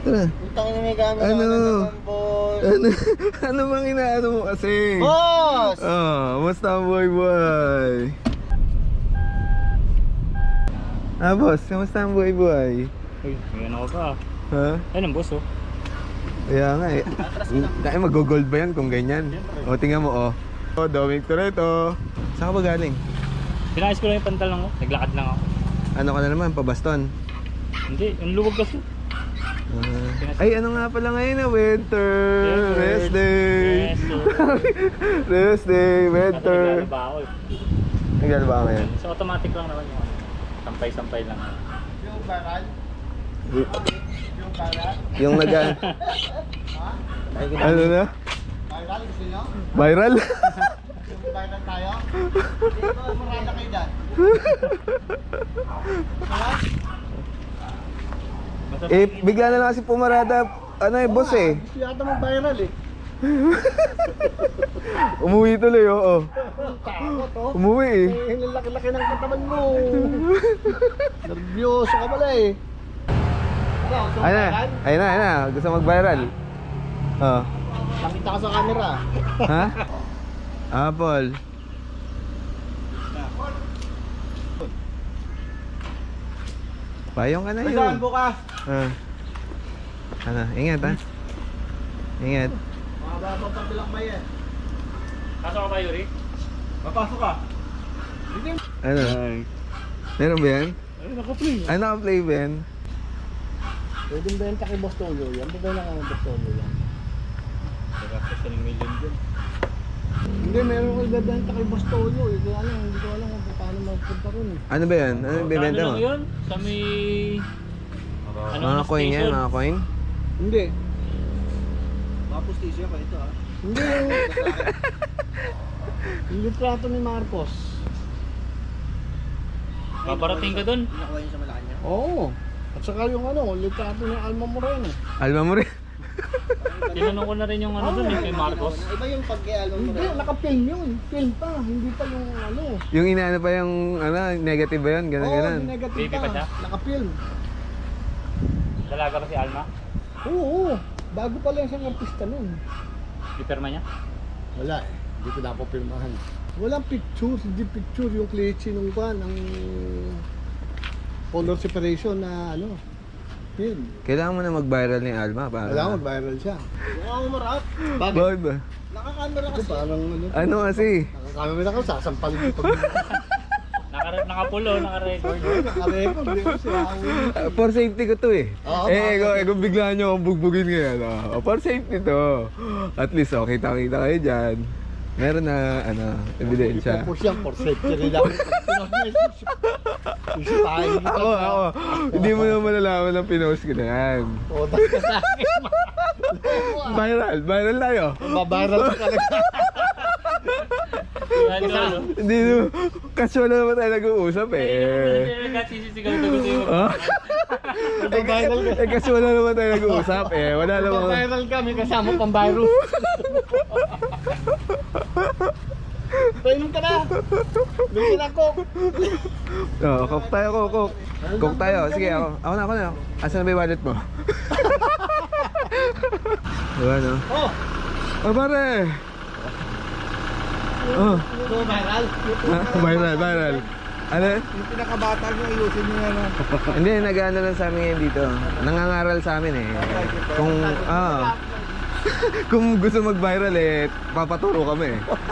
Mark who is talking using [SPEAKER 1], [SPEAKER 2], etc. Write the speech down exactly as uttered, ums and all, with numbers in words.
[SPEAKER 1] Tara.
[SPEAKER 2] Putang ina, may gamit
[SPEAKER 1] Ano?
[SPEAKER 2] ako na naman, boss.
[SPEAKER 1] Ano? Ano bang inaano mo kasi?
[SPEAKER 2] Boss!
[SPEAKER 1] Oh, musta ang boy boy? Ah, boss, kamusta ang boy boy?
[SPEAKER 3] Uy, ngayon ako pa.
[SPEAKER 1] Ha?
[SPEAKER 3] Ayun ang boss oh.
[SPEAKER 1] Kaya nga eh. Dahil mag-gold ba yan kung ganyan? O, tingnan mo oh. Oh, Dominic Toretto. Saan ka ba galing?
[SPEAKER 3] Pinakis ko lang yung pantalon ko. Naglakad lang ako.
[SPEAKER 1] Ano ka na naman? Pabaston?
[SPEAKER 3] Hindi, yung luwag kasi.
[SPEAKER 1] Ah. Ay, ano nga pala ngayon na winter?
[SPEAKER 3] Yes,
[SPEAKER 1] Rest day!
[SPEAKER 3] Yes, sir.
[SPEAKER 1] Rest day,
[SPEAKER 3] Kasi
[SPEAKER 1] winter!
[SPEAKER 3] naglalaba ako eh.
[SPEAKER 1] Naglalaba ka ngayon?
[SPEAKER 3] So automatic lang naman yung ano. Sampay-sampay lang.
[SPEAKER 2] Yung baral? Yung baral?
[SPEAKER 1] Yung nag... ano na?
[SPEAKER 2] Baral, gusto nyo?
[SPEAKER 1] Viral?
[SPEAKER 2] Yung baral tayo? Dito, marala kayo dyan.
[SPEAKER 1] Eh, bigla na lang kasi pumarada. Ano eh, boss eh.
[SPEAKER 2] Gusto yata mag-viral eh.
[SPEAKER 1] Umuwi tuloy, oo.
[SPEAKER 2] Takot oh.
[SPEAKER 1] Umuwi eh.
[SPEAKER 2] Eh, ang laki-laki ng katawan mo. Nervyoso ka pala eh. Ano, gusto mo
[SPEAKER 1] Ayun na,
[SPEAKER 2] viral?
[SPEAKER 1] ayun na, ayun na. Gusto mag-viral. Oh.
[SPEAKER 2] Nakita ka sa camera.
[SPEAKER 1] Ha? Apple. Payong ka na yun.
[SPEAKER 2] Saan bukas?
[SPEAKER 1] Ah. Ano, ingat ha. Ingat.
[SPEAKER 2] Mga batang pabilang ba yan?
[SPEAKER 3] Kaso ka ba, Yuri?
[SPEAKER 2] Papasok ka.
[SPEAKER 1] Ano? Meron ba yan?
[SPEAKER 2] Ay, naka-play.
[SPEAKER 1] Ay, naka-play ba yan?
[SPEAKER 2] Pwede ba yan kay Boss Toyo yan? Pwede lang ang Boss Toyo yan.
[SPEAKER 3] Nagkakasya ng million dyan.
[SPEAKER 2] Hindi, meron ko ibebenta kay Boss Toyo eh. Kaya lang, hindi ko alam kung paano magpunta ron eh.
[SPEAKER 1] Ano ba yan? Ano yung bibenta
[SPEAKER 3] Ano
[SPEAKER 1] mo?
[SPEAKER 3] lang yun? Sa may... Ano
[SPEAKER 1] Mga
[SPEAKER 3] na
[SPEAKER 1] coin yan,
[SPEAKER 3] station?
[SPEAKER 1] mga coin?
[SPEAKER 2] Hindi.
[SPEAKER 4] Mga postisyo pa ito ah.
[SPEAKER 2] Hindi yung... yung litrato ni Marcos.
[SPEAKER 3] Paparating ka dun?
[SPEAKER 4] Nakuha yun sa Malacanang.
[SPEAKER 2] Oo. At saka yung ano, litrato ni Alma Moreno.
[SPEAKER 1] Alma mo rin.
[SPEAKER 3] Tinanong ko na rin yung ano dun eh, kay Marcos.
[SPEAKER 4] Iba yung pag-album mo
[SPEAKER 2] Hindi,
[SPEAKER 4] rin.
[SPEAKER 2] naka-film yun. Film pa, hindi pa yung ano.
[SPEAKER 1] Yung inaano pa yung ano, negative ba yun? Ganun,
[SPEAKER 2] Oo,
[SPEAKER 1] ganun.
[SPEAKER 2] yung negative
[SPEAKER 3] Baby pa siya?
[SPEAKER 2] Naka-film.
[SPEAKER 3] Dalaga pa si Alma?
[SPEAKER 2] Oo, oo. Bago pa lang siyang artista nun.
[SPEAKER 3] Ipirma niya?
[SPEAKER 2] Wala eh. Hindi ko napapirmahan. Walang picture, hindi picture yung klitsi nung kan, ang color separation na ano, film.
[SPEAKER 1] Kailangan mo na mag-viral ni Alma para...
[SPEAKER 2] Kailangan mag-viral siya.
[SPEAKER 4] Mukha mo marap.
[SPEAKER 1] Bakit ba?
[SPEAKER 4] Nakakamera
[SPEAKER 2] Kasi
[SPEAKER 4] kasi.
[SPEAKER 2] parang ano,
[SPEAKER 1] Ano kasi?
[SPEAKER 2] nakakamera ka, sasampalin ko pag
[SPEAKER 3] Naka, nakapulo, naka-record.
[SPEAKER 2] naka-record. Di ko siya.
[SPEAKER 1] Uh, for safety ko to eh.
[SPEAKER 2] Oo,
[SPEAKER 1] eh,
[SPEAKER 2] bakit?
[SPEAKER 1] kung, eh, kung bigla nyo akong bugbugin ngayon, oh, for safety to. At least, oh, kita-kita kayo dyan. Meron na, ano, ebidensya.
[SPEAKER 2] Ipopos yan, for safety rin lang. Isipahin kita.
[SPEAKER 1] Ako, ako. Hindi mo naman malalaman ng pinost ko na yan.
[SPEAKER 2] Otas ka sa akin.
[SPEAKER 1] Viral, viral tayo.
[SPEAKER 2] Babaral ka talaga.
[SPEAKER 3] Yan doon.
[SPEAKER 1] Hindi no. Casual na naman tayo nag-uusap eh.
[SPEAKER 3] Hindi nagkasisigaw na gusto yung...
[SPEAKER 1] Oh?
[SPEAKER 2] Babaral ka.
[SPEAKER 1] Eh, casual na naman tayo nag-uusap eh. Wala namang...
[SPEAKER 2] Babaral ka, may kasama pang virus. Painom ka na. Bigyan ako.
[SPEAKER 1] Oh, cook tayo, cook, cook. Cook tayo. Sige, ako. Ako na, ako na. Asan na ba yung wallet mo? Diba, no?
[SPEAKER 2] Oh,
[SPEAKER 1] Oh, pare! Oh,
[SPEAKER 2] ito viral.
[SPEAKER 1] ah, viral, viral. Ano?
[SPEAKER 2] Yung pinakabata nyo, ayusin nyo yan. ah.
[SPEAKER 1] Hindi, nag-ano lang sa amin ngayon dito. Nangangaral sa amin eh. Kung, ah, kung gusto mag-viral eh, papaturo kami eh.